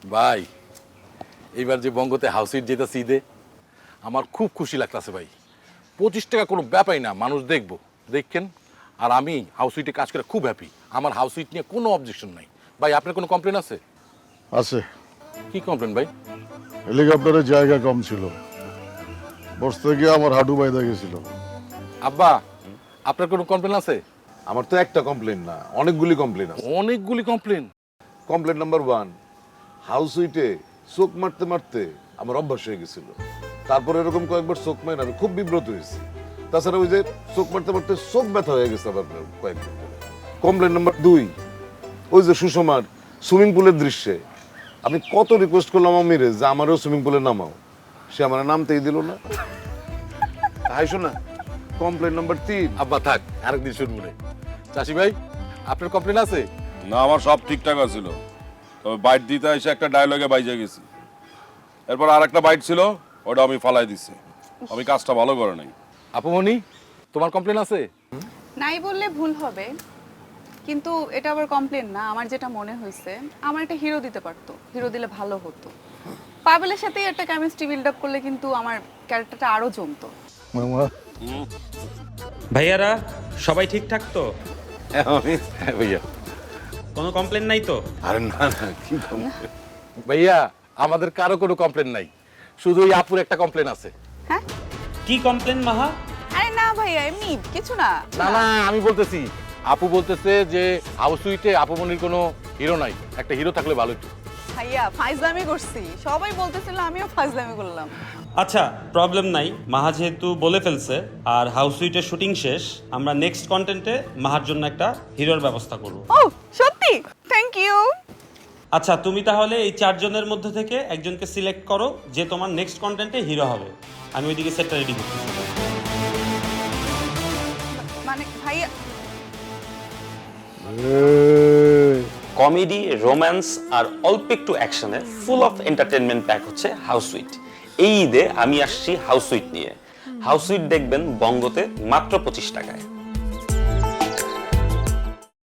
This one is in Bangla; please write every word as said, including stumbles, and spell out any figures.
ভাই এইবার যে বঙ্গতে হাউসিট যেতেছি ঈদে আমার খুব খুশি লাগতেছে ভাই। পঁচিশ টাকা কোনো ব্যাপারই না, মানুষ দেখবো দেখেন। আর আমি হাউসিটে কাজ করে খুব হ্যাপি, আমার হাউসিট নিয়ে কোনো অবজেকশন নাই। ভাই আপনার কোনো কমপ্লেন আছে? আছে। কি কমপ্লেন ভাই? হেলিকপ্টারের জায়গা কম ছিল, বসতে গিয়ে আমার হাঁটু বাইদা গেছিল। আব্বা আপনার কোনো কমপ্লেন আছে? আমার তো একটা কমপ্লেন না, অনেকগুলি কমপ্লেন আছে। অনেকগুলি complain. Complain number one, house উইটে চোখ মারতে মারতে আমার অভ্যাস হয়ে গেছিল। তারপরে এরকম কয়েকবার চোখ মারে আমি খুব বিব্রত হয়েছি। তাছাড়া ওই যে চোখ মারতে মারতে চোখ ব্যথা হয়ে গেছে আবার কয়েকদিন ধরে। কমপ্লেন নাম্বার দুই, ওই যে সুষমার সুইমিং পুলের দৃশ্যে আমি কত রিকোয়েস্ট করলাম আমিরে যে আমারও সুইমিং পুলে নামাও, সে আমার নামতেই দিল না। তাই শোনা কমপ্লেন নাম্বার তিন। আব্বা থাক, আরেকদিন শুনবো রে। চাষি ভাই আপনার কমপ্লেন আছে? না, আমার সব ঠিকঠাক আছিল, তবে বাইট দিতে এসে একটা ডায়লগে বাইজে গেছি। এরপর আর একটা বাইট ছিল, ওটা আমি ফালাই দিছি। আমি কাজটা ভালো করে নাই। আপুমনি তোমার কমপ্লেন আছে? নাই বললে ভুল হবে, কিন্তু এটা আবার কমপ্লেন না। আমার যেটা মনে হয়েছে, আমার একটা হিরো দিতে পারতো, হিরো দিলে ভালো হতো। পাবেলের সাথেই একটা কেমিস্ট্রি বিল্ড আপ করলে কিন্তু আমার ক্যারেক্টারটা আরো জমতো। মামা ভাইয়ারা সবাই ঠিকঠাক তো? হ্যাঁ ভাইয়া। কোনো কমপ্লেন নাই তো? আরে না না, কি complaint? ভাইয়া আমাদের কারো কোনো কমপ্লেন নাই, শুধু ওই আপুর একটা কমপ্লেন আছে। হ্যাঁ? কি কমপ্লেন মাহা? আরে না ভাইয়া, এমনি কিছু না। না না আমি বলতেছি, আপু বলতেছে যে হাউস সুইটে আপুমনির কোনো হিরো নাই, একটা হিরো থাকলে ভালো হতো। ভাইয়া ফাইজলামি করছি, সবাই বলতেছিল আমিও ফাইজলামি করলাম। আচ্ছা, প্রবলেম নাই। মাহা যেহেতু বলে ফেলছে আর হাউস সুইটের শুটিং শেষ, আমরা নেক্সট কন্টেন্টে মাহার জন্য একটা হিরোর ব্যবস্থা করব। ও সত্যি? Thank you. আচ্ছা, তুমি তাহলে এই চারজনের মধ্যে থেকে একজনকে সিলেক্ট করো যে তোমার নেক্সট কন্টেন্টে হিরো হবে। আমি ওইদিকে সেটটা রেডি করতেছি। মানে ভাইয়া কমেডি, রোম্যান্স আর অল্প একটু অ্যাকশনে ফুল অফ এন্টারটেনমেন্ট প্যাক হচ্ছে হাউস সুইট। এই ঈদে আমি আসছি হাউস সুইট নিয়ে। হাউস সুইট দেখবেন বঙ্গতে মাত্র পঁচিশ টাকায়।